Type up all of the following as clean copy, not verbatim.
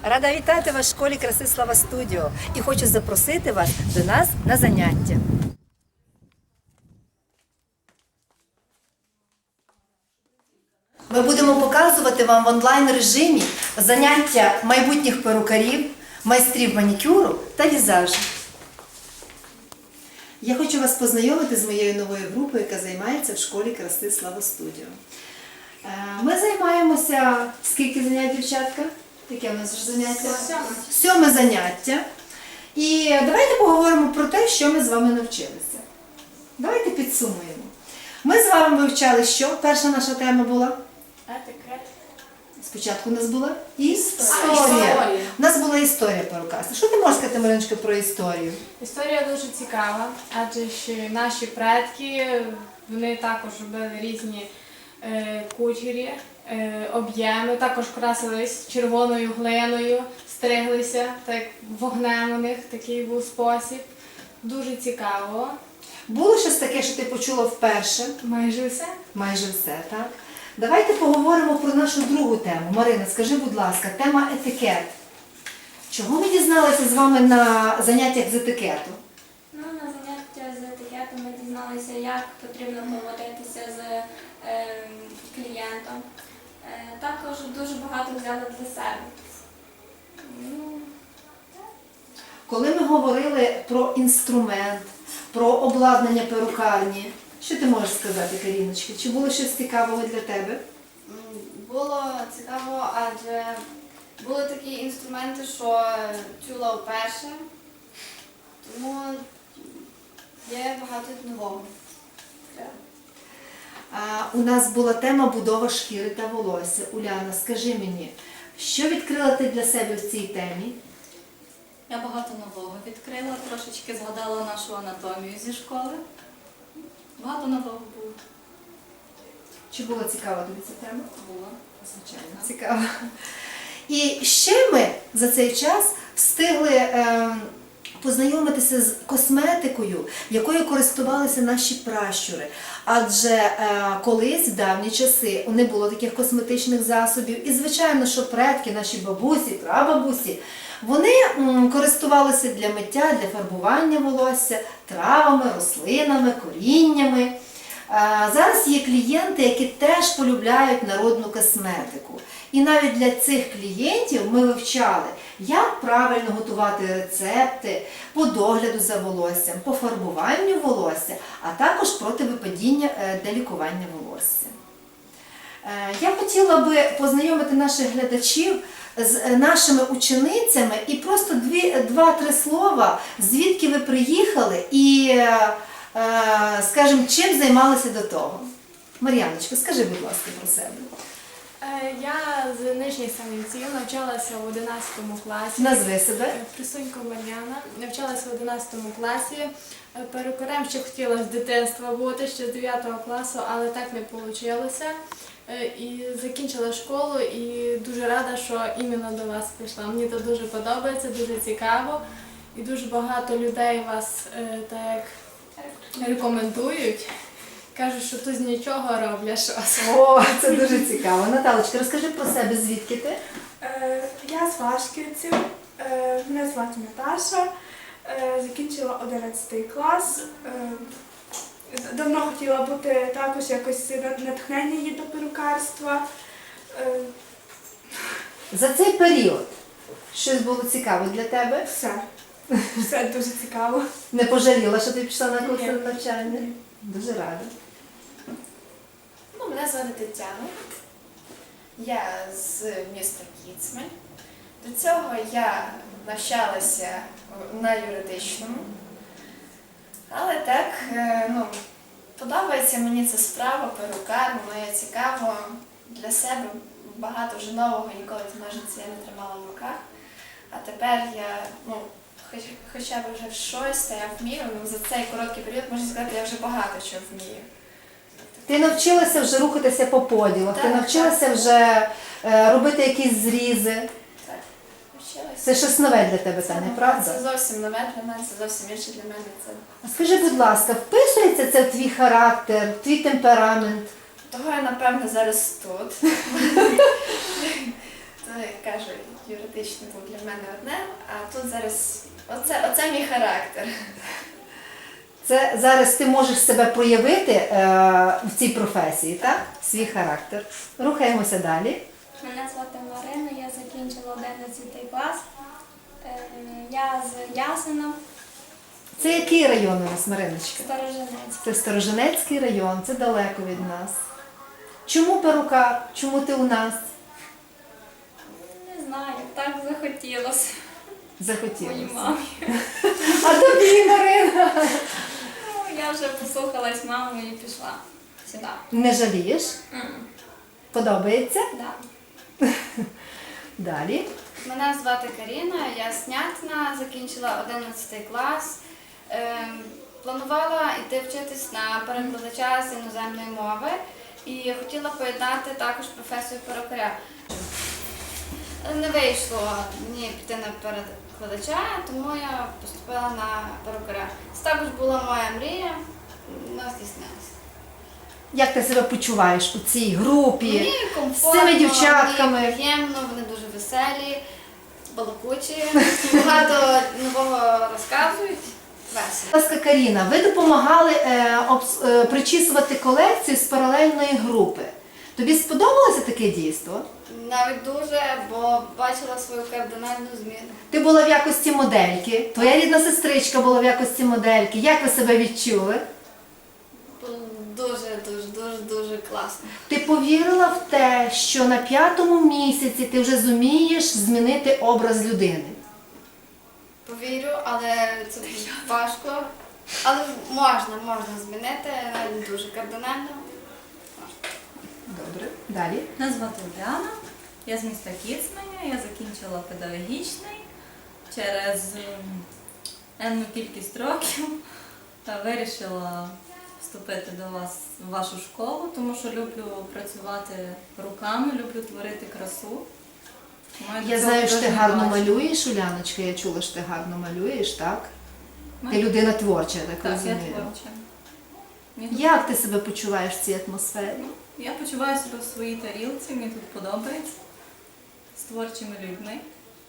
Рада вітати вас в школі краси Слава Студіо і хочу запросити вас до нас на заняття. Ми будемо показувати вам в онлайн-режимі заняття майбутніх перукарів, майстрів манікюру та візажу. Я хочу вас познайомити з моєю новою групою, яка займається в школі краси Слава Студіо. Ми займаємося, скільки занять, дівчатка? Яке у нас вже заняття? Сьоме заняття. І давайте поговоримо про те, що ми з вами навчилися. Давайте підсумуємо. Ми з вами вивчали що? Перша наша тема була? Етикет. Спочатку у нас була історія. У нас була історія перукарства. Що ти можеш сказати, Мариночка, про історію? Історія дуже цікава, адже ж наші предки, вони також робили різні кучері, об'єми, також красились червоною глиною, стриглися, так вогнем у них такий був спосіб. Дуже цікаво. Було щось таке, що ти почула вперше? Майже все. Майже все, так? Давайте поговоримо про нашу другу тему. Марина, скажи, будь ласка, тема етикет. Чого ми дізналися з вами на заняттях з етикету? Ну, на заняття з етикету ми дізналися, як потрібно поводитися з клієнтом. Також дуже багато взяли для себе. Коли ми говорили про інструмент, про обладнання перукарні, що ти можеш сказати, Каріночка? Чи було щось цікавого для тебе? Було цікаво, адже були такі інструменти, що чула вперше, тому є багато нового. У нас була тема будова шкіри та волосся. Уляна, скажи мені, що відкрила ти для себе в цій темі? Я багато нового відкрила, трошечки згадала нашу анатомію зі школи. Багато нового було. Чи було цікаво тобі ця тема? Було. Звичайно, цікаво. І ще ми за цей час встигли познайомитися з косметикою, якою користувалися наші пращури. Адже колись, в давні часи, не було таких косметичних засобів. І, звичайно, що предки, наші бабусі, прабабусі, вони користувалися для миття, для фарбування волосся, травами, рослинами, коріннями. Зараз є клієнти, які теж полюбляють народну косметику. І навіть для цих клієнтів ми вивчали, як правильно готувати рецепти по догляду за волоссям, по фарбуванню волосся, а також проти випадіння для лікування волосся. Я хотіла би познайомити наших глядачів з нашими ученицями і просто два-три слова, звідки ви приїхали і, скажімо, чим займалися до того. Мар'яночка, скажи, будь ласка, про себе. Я з Нижніх Самінців навчалася в 11 класі. Назви себе. Присунько Мар'яна. Навчалася в 11 класі. Перукарем ще хотіла з дитинства бути, ще з 9 класу, але так не вийшло. І закінчила школу і дуже рада, що іменно до вас прийшла. Мені це дуже подобається, дуже цікаво. І дуже багато людей вас так рекомендують. Кажуть, що тут з нічого роблять щось. О, це дуже цікаво. Наталочка, розкажи про себе, звідки ти? Я з Вашківців, мене звати Наташа, закінчила 11 клас. Давно хотіла бути також якось натхнення її до перукарства. За цей період щось було цікаво для тебе? Все дуже цікаво. Не пожаліла, що ти пішла на курси Ні. навчання? Дуже рада. Ну, мене звати Тетяна. Я з міста Кіцмаль. До цього я навчалася на юридичному. Але так, подобається мені ця справа, перукар, мені цікаво для себе, багато вже нового, ніколи ножиці я не тримала в руках. А тепер я, хоча б вже щось, та я вмію, за цей короткий період, можна сказати, я вже багато чого вмію. Ти навчилася вже рухатися по поділах, ти Так, навчилася вже робити якісь зрізи. Так, навчилася. Це щось нове для тебе, Таня, правда? Це зовсім нове для мене, це зовсім інше для мене. А скажи, будь ласка, вписується це в твій характер, в твій темперамент? Того я, напевно, зараз тут. то, як кажуть, юридичне був для мене одне, а тут зараз оце мій характер. Це зараз ти можеш себе проявити в цій професії, так? Свій характер. Рухаємося далі. Мене звати Марина, я закінчила 11 клас. Я з Ясина, Це який район у нас, Мариночка? Сторожинець. Це Сторожинецький район, це далеко від нас. Чому перукар? Чому ти у нас? Не знаю, так захотілося Захотілося. моїй мамі. А тобі, Марина? Ну, я вже послухалась маму і пішла сюди. Не жалієш? Подобається? Да. Далі. Мене звати Каріна, я з Снятина, закінчила 11 клас. Планувала йти вчитись на перекладача з іноземної мови і хотіла поєднати також професію перукаря. Не вийшло мені піти на перекладача, тому я поступила на перукаря. Це також була моя мрія, вона здійснилася. Як ти себе почуваєш у цій групі? Мені з комфортно, цими дівчатками? мені приємно, вони дуже веселі, балакучі, багато нового розказують. Весело. Будь ласка, Каріна, ви допомагали причісувати колекцію з паралельної групи. Тобі сподобалося таке дійство? Навіть дуже, бо бачила свою кардинальну зміну. Ти була в якості модельки, твоя рідна сестричка була в якості модельки. Як ви себе відчули? Було дуже класно. Ти повірила в те, що на 5-му місяці ти вже зумієш змінити образ людини? Повірю, але це важко. Але можна змінити, навіть дуже кардинально. Добре, далі. Мене звати Уляна, я з міста Кіцманя, я закінчила педагогічний. Через енну кількість років вирішила вступити до вас в вашу школу, тому що люблю працювати руками, люблю творити красу. Маю Я до знаю, цього що ти дуже гарно бачення. малюєш, Уляночка, я чула, що ти гарно малюєш, так? Ти людина творча, я так Так, я розумію. творча. Мені Як ти себе почуваєш в цій атмосфері? Я почуваю себе в своїй тарілці, мені тут подобається, з творчими людьми.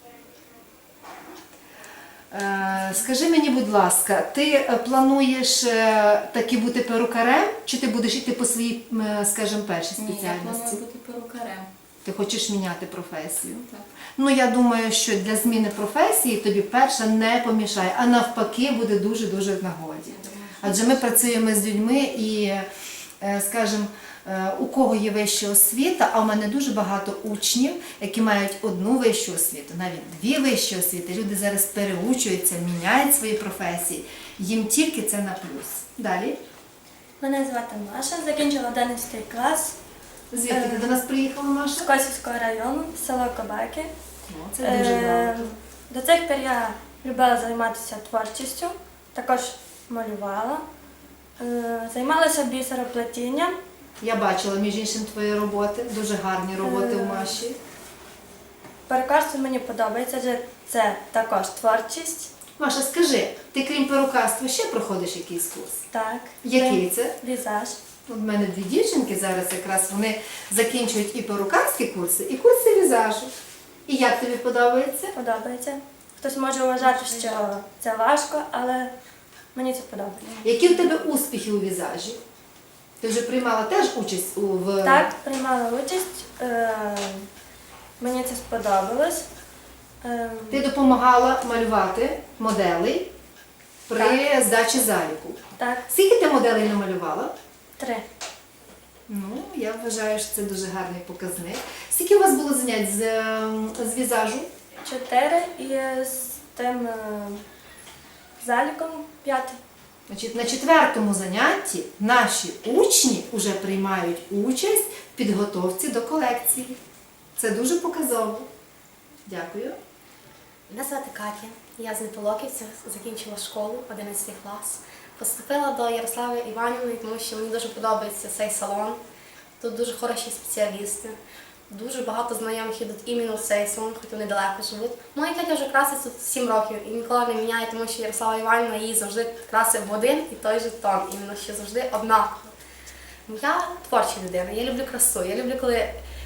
Скажи мені, будь ласка, ти плануєш таки бути перукарем, чи ти будеш йти по своїй, скажімо, першій Ні, я спеціальності? планую бути перукарем. Ти хочеш міняти професію? Так. Ну, я думаю, що для зміни професії тобі перша не помішає, а навпаки буде дуже-дуже в нагоді. Адже ми працюємо з людьми і, скажімо, у кого є вища освіта, а у мене дуже багато учнів, які мають одну вищу освіту, навіть дві вищі освіти. Люди зараз переучуються, міняють свої професії. Їм тільки це на плюс. Далі. Мене звати Маша, закінчила 11 клас Звідки ти до нас приїхала, з Маша? Косівського району, село Кобаки. О, це дуже добре. До цих пір я любила займатися творчістю, також малювала, займалася бісероплетінням. Я бачила, між іншим, твої роботи, дуже гарні роботи у Маші. Перукарство мені подобається, адже це також творчість. Маша, скажи, ти крім перукарства ще проходиш якийсь курс? Так, Який це? візаж. У мене дві дівчинки зараз якраз вони закінчують і перукарські курси, і курси візажу. І як тобі подобається? Подобається. Хтось може вважати, що це важко, але мені це подобається. Які в тебе успіхи у візажі? Ти вже приймала теж участь в... Так, приймала участь. Мені це сподобалось. Ти допомагала малювати моделей при здачі заліку. Так, Скільки ти моделей намалювала? 3. Ну, я вважаю, що це дуже гарний показник. Скільки у вас було занять з візажу? 4 і з тим заліком 5. Значить, на 4-му занятті наші учні вже приймають участь в підготовці до колекції. Це дуже показово. Дякую. Мене звати Катя, я з Неполоківця, закінчила школу, 11 клас. Поступила до Ярослави Іванівни, тому що мені дуже подобається цей салон. Тут дуже хороші спеціалісти. Дуже багато знайомих ідуть іменно в цей салон, хоч вони далеко живуть. Моя Катя вже красить тут 7 років і ніколи не міняє, тому що Ярослава Іванівна її завжди красить в один і той же тон, іменно що завжди однаково. Я творча людина, я люблю красу, я люблю, коли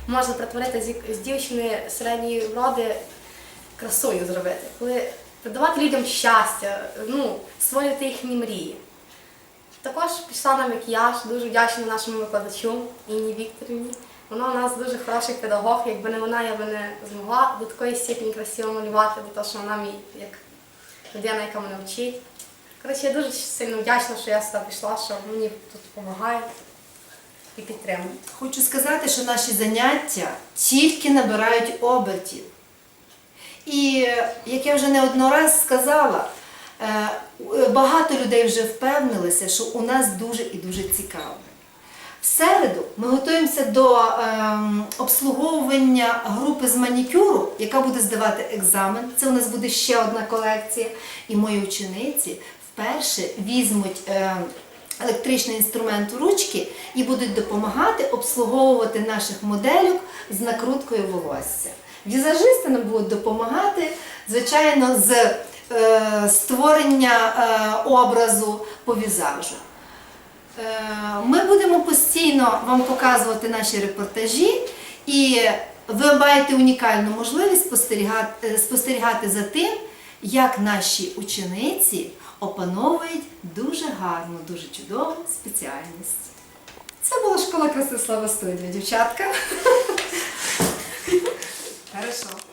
можна перетворити з дівчини середньої вроди красою зробити, коли придавати людям щастя, ну, створювати їхні мрії. Також пішла на макіяж, дуже вдячна нашому викладачу Інні Вікторівні. Вона у нас дуже хороший педагог, якби не вона, я би не змогла до такої степені красиво малювати, бо то, що вона мій як людина, яка мене вчить. Коротше, я дуже сильно вдячна, що я сюди пішла, що мені тут допомагають і підтримують. Хочу сказати, що наші заняття тільки набирають обертів. І, як я вже не одного раз сказала, багато людей вже впевнилися, що у нас дуже і дуже цікаво. В середу ми готуємося до обслуговування групи з манікюру, яка буде здавати екзамен. Це у нас буде ще одна колекція. І мої учениці вперше візьмуть електричний інструмент у ручки і будуть допомагати обслуговувати наших модельок з накруткою волосся. Візажисти нам будуть допомагати, звичайно, з створення образу по візажу. Ми будемо постійно вам показувати наші репортажі, і ви маєте унікальну можливість спостерігати за тим, як наші учениці опановують дуже гарну, дуже чудову спеціальність. Це була школа краси Слава Студія, дівчатка. Хорошо.